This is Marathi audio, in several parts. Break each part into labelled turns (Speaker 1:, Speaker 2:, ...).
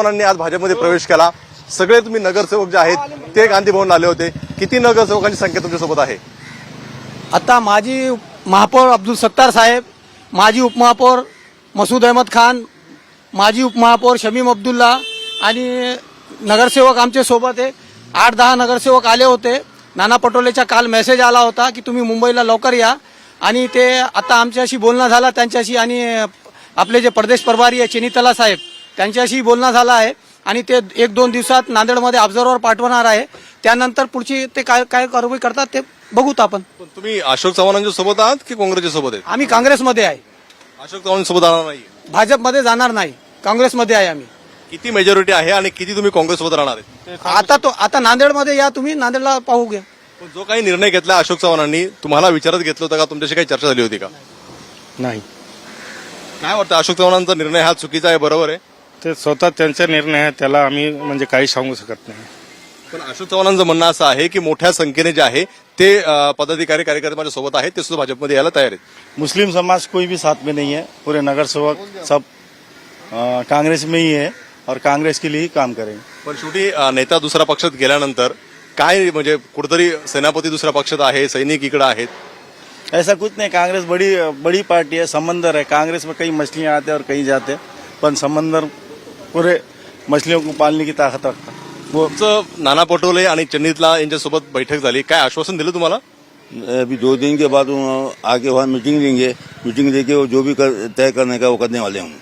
Speaker 1: चव्हाणांनी आज भाजपमध्ये प्रवेश केला. सगळे तुम्ही नगरसेवक जे आहेत ते गांधी भवनला आले होते. किती नगरसेवकांची संख्या तुमच्यासोबत आहे?
Speaker 2: आता माजी महापौर अब्दुल सत्तार साहेब, माजी उपमहापौर मसूद अहमद खान, माजी उपमहापौर शमीम अब्दुल्ला आणि नगरसेवक आमचे सोबत आहे. 8-10 नगरसेवक आले होते. नाना पटोलेचा काल मेसेज आला होता की तुम्ही मुंबईला लवकर या आणि ते आता आमच्याशी बोलणं झाला त्यांच्याशी आणि आपले जे प्रदेश प्रभारी आहे चिनीतला साहेब त्यांच्याशी बोलणं झालं आहे आणि ते 1-2 दिवसात नांदेडमध्ये ऑब्झर्व्हर पाठवणार आहे. त्यानंतर पुढची ते काय कारवाई करतात ते बघूत आपण.
Speaker 1: पण तुम्ही अशोक चव्हाणांच्या सोबत आहात की काँग्रेसच्या सोबत आहेत?
Speaker 2: आम्ही काँग्रेसमध्ये आहे.
Speaker 1: अशोक चव्हाणांसोबत राहणार नाही?
Speaker 2: भाजपमध्ये जाणार नाही, काँग्रेसमध्ये आहे आम्ही.
Speaker 1: किती मेजॉरिटी आहे आणि किती तुम्ही काँग्रेससोबत राहणार आहेत?
Speaker 2: आता नांदेडमध्ये या तुम्ही, नांदेडला पाहू घ्या.
Speaker 1: पण जो काही निर्णय घेतला अशोक चव्हाणांनी तुम्हाला विचारत घेतलं होतं का? तुमच्याशी काही चर्चा झाली होती का?
Speaker 3: नाही,
Speaker 1: काय वाटतं अशोक चव्हाणांचा निर्णय हा चुकीचा आहे, बरोबर आहे?
Speaker 3: ते स्वतः त्यांचा निर्णय आहे, त्याला आम्ही म्हणजे काही सांगू शकत नाही.
Speaker 1: पण अशोक चव्हाणांचं म्हणणं असं आहे की मोठ्या संख्येने जे आहे ते पदाधिकारी कार्यकर्ते माझ्या सोबत आहेत, ते सुद्धा भाजपमध्ये यायला तयार आहेत.
Speaker 4: मुस्लिम समाज कोई भी साथ में नहीं है, पूरे नगर सेवक सब कांग्रेस में ही है और कांग्रेस के लिए ही काम करेंगे.
Speaker 1: पण शेवटी नेता दुसऱ्या पक्षात गेल्यानंतर काय म्हणजे कुठेतरी सेनापती दुसऱ्या पक्षात आहे, सैनिक इकडे आहेत.
Speaker 4: ऐसा कुछ नहीं, कांग्रेस बड़ी पार्टी है, समंदर है. कांग्रेस में कई मछलियां आते हैं और कहीं जाते हैं, पण समंदर पूरे मछलियों को पालने की ताकत रखता है. वो
Speaker 1: तुमचं नाना पटोले आणि चन्नीतला यांच्यासोबत बैठक झाली, काय आश्वासन दिलं तुम्हाला?
Speaker 5: अभी 2 दिन के बाद आके वहाँ मीटिंग लेंगे. मीटिंग लेके वो जो भी तय करने का वो करने वाले हम.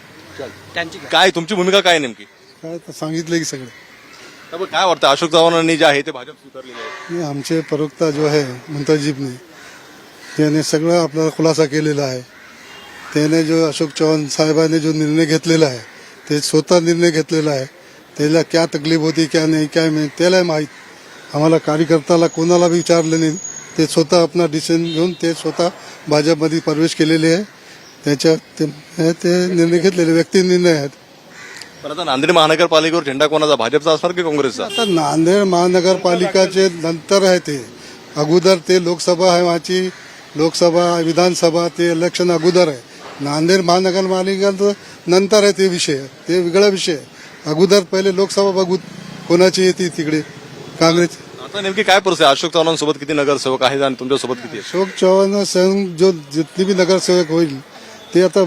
Speaker 1: काय तुमची भूमिका काय नेमकी?
Speaker 6: काय तर सांगितलं की सगळं.
Speaker 1: तर काय वाटतं अशोक चव्हाणांनी जे आहे ते भाजप स्वीकारलेले आहे?
Speaker 6: हे आमचे प्रवक्ता जो आहे मुंताजीबने त्याने सगळं आपला खुलासा केलेला आहे. त्याने जो अशोक चव्हाण साहेबांनी जो निर्णय घेतलेला आहे ते स्वतः निर्णय घेतलेला आहे. त्याला क्या तकलीफ होती क्या नाही काय नाही त्याला माहीत. आम्हाला कार्यकर्त्याला कोणाला विचारलं नाही. ते स्वतः आपला डिसिजन घेऊन ते स्वतः भाजपमध्ये प्रवेश केलेले आहे. त्याच्यात ते निर्णय घेतलेले व्यक्ती निर्णय आहेत.
Speaker 1: पण आता नांदेड महानगरपालिकेवर झेंडा कोणाचा, भाजपचा असणार की काँग्रेसचा?
Speaker 6: आता नांदेड महानगरपालिकाचे नंतर आहे ते. अगोदर ते लोकसभा आहे, माझी लोकसभा विधानसभा ते इलेक्शन अगोदर आहे. नांदेड महानगरपालिका नंतर आहे ते विषय, ते वेगळा विषय आहे. अगोदर पहिले लोकसभा बघू कोणाची येते तिकडे काँग्रेस.
Speaker 1: आता नेमकी काय परिस्थिती आहे? अशोक चव्हाणांसोबत किती नगरसेवक आहेत आणि तुमच्यासोबत किती आहेत?
Speaker 6: अशोक चव्हाण संघ जो जितनी भी नगरसेवक होईल ते आता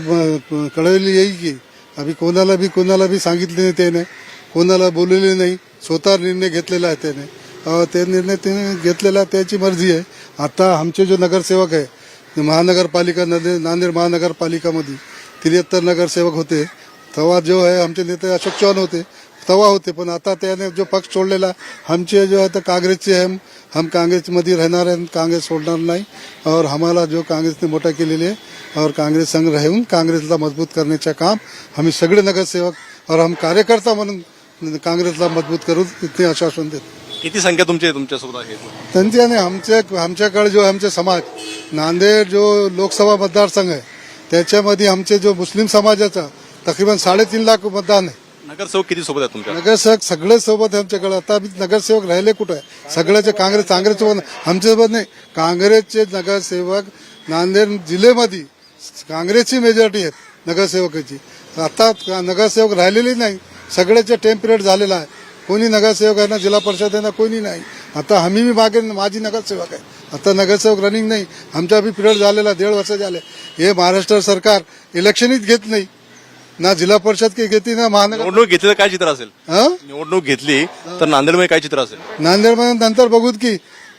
Speaker 6: कळवली येईल की अभी कोणाला बी सांगितले नाही त्याने, कोणाला बोललेले नाही. स्वतः निर्णय घेतलेला आहे त्याने. ते निर्णय त्याने घेतलेला त्याची मर्जी आहे. आता आमचे जो नगरसेवक आहे महानगरपालिका नांदेड महानगरपालिकामध्ये 73 नगरसेवक होते. तेव्हा जो आहे आमचे नेते अशोक चव्हाण होते तेव्हा होते. पण आता त्याने जो पक्ष सोडलेला आमचे जो आहे तर काँग्रेसचे आहे. हम काँग्रेसमध्ये राहणार आहे, काँग्रेस सोडणार नाही. और हमारा जो काँग्रेसने मोठा केलेले आहे और काँग्रेस संघ राहून काँग्रेसला मजबूत करण्याचे काम आम्ही सगळे नगरसेवक और हम कार्यकर्ता म्हणून काँग्रेसला मजबूत करू इतके आश्वासन देतो.
Speaker 1: किती संख्या तुमच्यासोबत आहे?
Speaker 6: त्यांच्याने आमच्याकडे जो आमचे समाज नांदेड जो लोकसभा मतदारसंघ आहे त्याच्यामध्ये आमचे जो मुस्लिम समाजाचा तकरीबन 3.5 लाख मतदान आहे.
Speaker 1: नगरसेवक किती सोबत आहेत तुमच्या?
Speaker 6: नगरसेवक सगळे सोबत आहे आमच्याकडे. आता नगरसेवक राहिले कुठे आहे? सगळ्याचे काँग्रेससोबत आमच्यासोबत नाही. काँग्रेसचे नगरसेवक नांदेड जिल्ह्यामध्ये काँग्रेसची मेजॉरिटी आहेत नगरसेवकाची. आता नगरसेवक राहिलेली नाही, सगळ्याचे टेम पिरियड झालेला आहे. कोणी नगरसेवक आहे ना जिल्हा परिषद आहे ना कोणी नाही. आता आम्ही बी मागे माझी नगरसेवक आहे. आता नगरसेवक रनिंग नाही, आमचा बी पिरियड झालेला 1.5 वर्ष झाले. हे महाराष्ट्र सरकार इलेक्शनच घेत नाही ना, जिल्हा परिषद काही घेते ना महानगर.
Speaker 1: निवडणूक घेतली तर काय चित्र असेल? निवडणूक घेतली तर नांदेडमध्ये काय चित्र असेल?
Speaker 6: नांदेडमध्ये नंतर बघूत की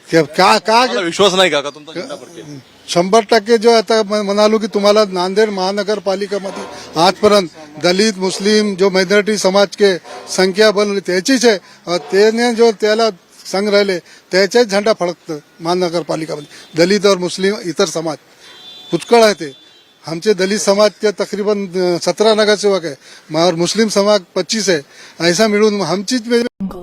Speaker 1: मला विश्वास नाही का तुमचा झेंडा फडकेल?
Speaker 6: 100% जो आता म्हणालो की तुम्हाला नांदेड महानगरपालिकामध्ये आजपर्यंत दलित मुस्लिम जो मायनॉरिटी समाज के संख्या बनली त्याचीच आहे. त्याने जो त्याला संघ राहिले त्याचाच झेंडा फडकतं महानगरपालिकामध्ये. दलित और मुस्लिम इतर समाज पुष्कळ आहे. ते आमचे दलित समाज के तकरीबन 17 नगरसेवक है और मुस्लिम समाज 25 है. ऐसा मिळून आमचीच